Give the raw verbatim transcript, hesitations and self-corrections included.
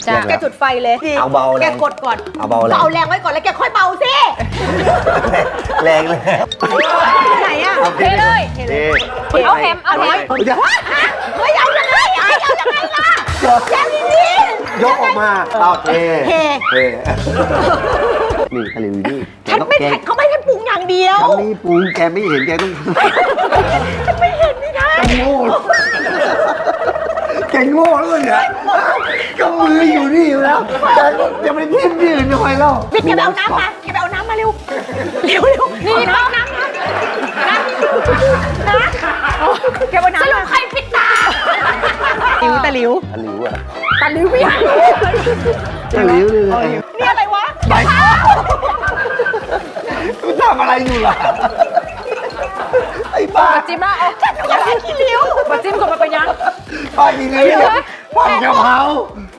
แกจุดไฟเลยเอาเบาแรแกงกดก่อนเอาเบาแรงเอาแรงไว้ก่อนแล้วแกค่อยเบาสิแรงเลยไหนอ่ะเทเลยเทเทเอาแฮมเอาแฮมเฮ้ยเอายังไงเอายังไงล่ะแกนี่นี่ยกออกมาเอาเทเทเทนี่ทะเลวินี่ฉันไม่แเขาไม่ให้ปรุงอย่างเดียวฉันนี่ปรุงแกไม่เห็นแกต้องฉันไม่เห็นนี่ไงโง่แกโง่แล้วเนี่ยก็มืออยู่นี่อยู่แล้วแต่ยังไม่ทิ้งที่อื่นทำไมเล่าพี่แกไปเอาน้ำมาแกไปเอาน้ำมาเร็วเร็วเร็วนี่น้ำน้ำน้ำน้ำน้ำแกไปน้ำสรุปใครปิดตาหลิวตาหลิวตะหลิวอ่ะตาหลิวพี่ตะหลิวเลยนี่อะไรวะไปคุณทำอะไรอยู่ล่ะไอ้บ้าจิ้มละเอาจัดเอาขี้หลิวมาจิ้มก่อนมาไปยังป้ากินเลยผัดกะเพรา